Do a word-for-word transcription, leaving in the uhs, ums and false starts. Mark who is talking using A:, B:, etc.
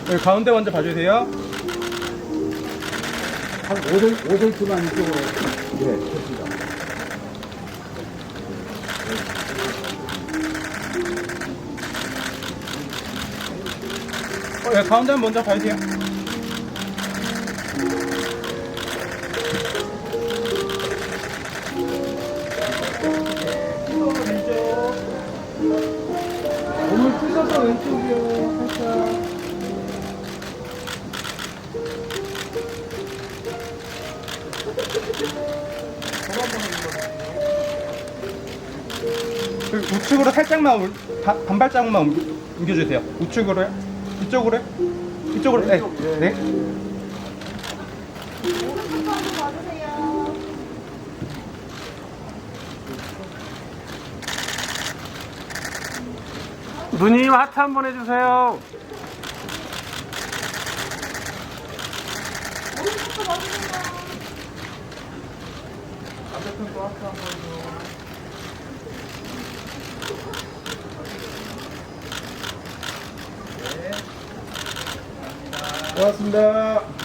A: 여기 가운데 먼저 봐주세요.
B: 한 오 센티미터만 이쪽으로. 예, 좋습니다.
A: 어, 여기 가운데 먼저 봐주세요.
B: 몸을 찢어서 왼쪽이요, 살짝.
A: 여기 우측으로 살짝만 올- 반, 반 발자국만 옮겨, 옮겨주세요. 우측으로요? 이쪽으로요? 이쪽으로. 네.
B: 왼쪽, 예.
A: 네.
C: 오른쪽도 한번 봐주세요.
A: 누님 하트 한번 해주세요.
C: 오른쪽도 봐주세요.
B: 반대편도 하트 한번 더. 고맙습니다.